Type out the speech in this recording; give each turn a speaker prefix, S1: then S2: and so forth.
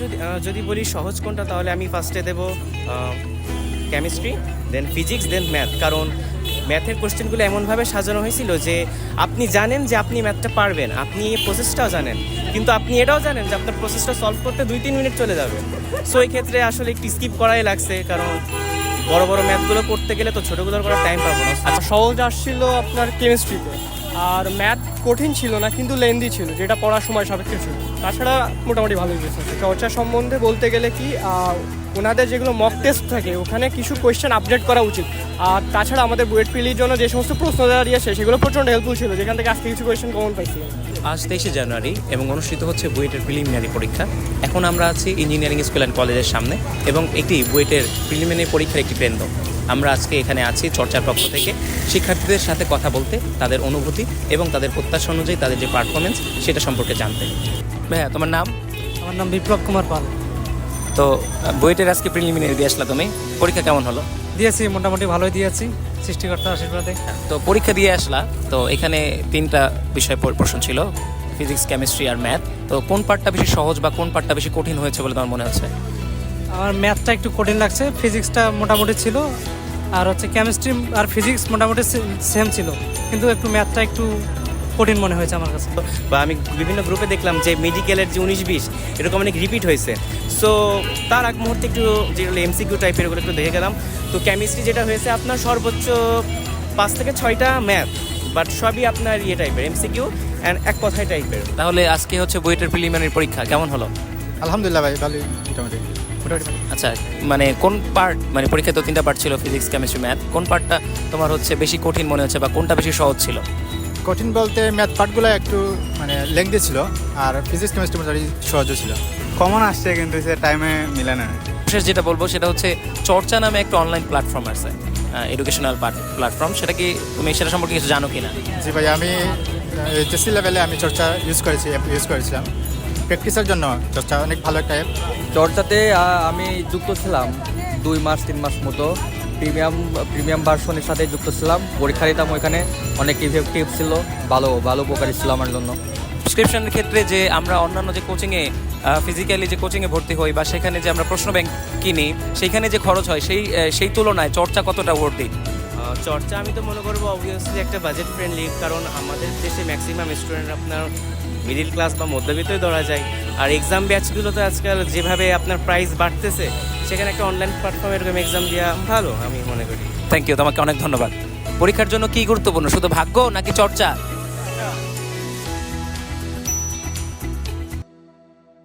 S1: যদি বলি সহজ কোনটা, তাহলে আমি ফার্স্টে দেবো chemistry, then physics, then math. কারণ ম্যাথের কোশ্চেনগুলো এমনভাবে সাজানো হয়েছিল যে আপনি জানেন যে আপনি ম্যাথটা পারবেন, আপনি প্রসেসটাও জানেন, কিন্তু আপনি এটাও জানেন যে আপনার প্রসেসটা সলভ করতে 2-3 মিনিট চলে যাবে। সো এই ক্ষেত্রে আসলে একটু স্কিপ করাই লাগছে, কারণ বড় বড় ম্যাথগুলো করতে গেলে তো ছোটোগুলোর করার টাইম পাবো না।
S2: আচ্ছা, সহজ আসছিল আপনার কেমিস্ট্রিতে, আর ম্যাথ কঠিন ছিল না কিন্তু লেন্দি ছিল, যেটা পড়ার সময় সাপেক্ষে ছিল। তাছাড়া মোটামুটি ভালোই গেছে। চর্চা সম্বন্ধে বলতে গেলে কি, ওনাদের যেগুলো মক টেস্ট থাকে ওখানে কিছু কোয়েশ্চেন আপডেট করা উচিত। আর তাছাড়া আমাদের বুয়েট পিলির জন্য যে সমস্ত প্রশ্ন দেওয়া দিয়েছে সেগুলো প্রচণ্ড হেল্পফুল ছিল, যেখান থেকে আজকে কিছু কোয়েশ্চেন কমন পাইছি।
S3: আজ 23শে জানুয়ারি এবং অনুষ্ঠিত হচ্ছে বুয়েটের প্রিলিমিনারি পরীক্ষা। এখন আমরা আছি ইঞ্জিনিয়ারিং স্কুল অ্যান্ড কলেজের সামনে এবং এটি বুয়েটের প্রিলিমিনারি পরীক্ষার একটি কেন্দ্র। আমরা আজকে এখানে আছি চর্চার পক্ষ থেকে শিক্ষার্থীদের সাথে কথা বলতে, তাদের অনুভূতি এবং তাদের প্রত্যাশা অনুযায়ী তাদের যে পারফরমেন্স সেটা সম্পর্কে জানতে। ভাইয়া, তোমার নাম?
S2: আমার নাম বিপ্লব কুমার পাল।
S3: তো বুয়েটের আজকে প্রিলিমিনারি দিয়ে আসলা তুমি, পরীক্ষা কেমন হলো?
S2: দিয়েছি, মোটামুটি ভালোই দিয়েছি সৃষ্টিকর্তার আশীর্বাদে।
S3: তো পরীক্ষা দিয়ে আসলা, তো এখানে 3টা বিষয় প্রশ্ন ছিল, ফিজিক্স, কেমিস্ট্রি আর ম্যাথ। তো কোন পার্টটা বেশি সহজ বা কোন পার্টটা বেশি কঠিন হয়েছে বলে তোমার মনে হচ্ছে?
S2: আমার ম্যাথটা একটু কঠিন লাগছে, ফিজিক্সটা মোটামুটি ছিল, আর হচ্ছে কেমিস্ট্রি আর ফিজিক্স মোটামুটি সেম ছিল, কিন্তু একটু ম্যাথটা একটু কঠিন মনে হয়েছে আমার কাছে।
S1: বা আমি বিভিন্ন গ্রুপে দেখলাম যে মেডিকেলের যে 19-20 এরকম অনেক রিপিট হয়েছে। সো তার আগ মুহূর্তে একটু যেগুলো এমসিকিউ টাইপের ওগুলো একটু দেখে গেলাম। তো কেমিস্ট্রি যেটা হয়েছে আপনার সর্বোচ্চ 5 থেকে 6টা ম্যাথ, বাট সবই আপনার ইয়ে টাইপের এমসিকিউ অ্যান্ড এক কথায় টাইপের।
S3: তাহলে আজকে হচ্ছে বুয়েটের প্রিলিমিনারি পরীক্ষা কেমন হলো?
S4: আলহামদুলিল্লাহ ভাই, ভালোই মোটামুটি।
S3: আচ্ছা, মানে কোন পার্ট, মানে পরীক্ষায় তো 3টা পার্ট ছিল, ফিজিক্স, কেমিস্ট্রি, ম্যাথ, কোন পার্টটা তোমার হচ্ছে বেশি কঠিন মনে হচ্ছে বা কোনটা বেশি সহজ ছিল?
S4: কঠিন বলতে ম্যাথ পার্টগুলো একটু মানে লেংদি ছিল, আর ফিজিক্স কেমিস্ট্রি মোটামুটি সহজও ছিল।
S5: কমন আসছে কিন্তু সে টাইমে মিলে না।
S3: শেষ যেটা বলবো সেটা হচ্ছে চর্চা নামে একটা অনলাইন প্ল্যাটফর্ম আছে, এডুকেশনাল প্ল্যাটফর্ম। সেটা কি তুমি সেটা সম্পর্কে কিছু জানো কি না?
S4: জি ভাই, আমি এইচএসসি লেভেলে আমি চর্চা ইউজ করেছিলাম প্র্যাকটিসের জন্য। চর্চা অনেক ভালো একটা অ্যাপ।
S6: চর্চাতে আমি যুক্ত ছিলাম 2-3 মাস মতো, প্রিমিয়াম ভার্সনের সাথে যুক্ত ছিলাম। পরীক্ষা দিতাম ওইখানে, অনেক ইফেক্টিভ ছিল, ভালো উপকারী ছিল আমার জন্য।
S3: প্রেসক্রিপশনের ক্ষেত্রে যে আমরা অন্যান্য যে কোচিংয়ে ফিজিক্যালি যে কোচিংয়ে ভর্তি হই বা সেখানে যে আমরা প্রশ্ন ব্যাংক কিনি, সেইখানে যে খরচ হয় সেই তুলনায় চর্চা কতটা ওয়ার্থ?
S1: চর্চা আমি তো মনে করবো অবভিয়াসলি একটা বাজেট ফ্রেন্ডলি, কারণ আমাদের দেশে ম্যাক্সিমাম স্টুডেন্ট আপনার মিডিল ক্লাস বা মধ্যবিত্তই ধরা যায়। আর এক্সাম ব্যাচগুলোতে আজকাল যেভাবে আপনার প্রাইস বাড়তেছে, সেখানে একটা অনলাইন প্ল্যাটফর্মে এরকম এক্সাম দেওয়া ভালো আমি মনে করি।
S3: থ্যাংক ইউ, তোমাকে অনেক ধন্যবাদ। পরীক্ষার জন্য কি গুরুত্বপূর্ণ, শুধু ভাগ্য নাকি চর্চা?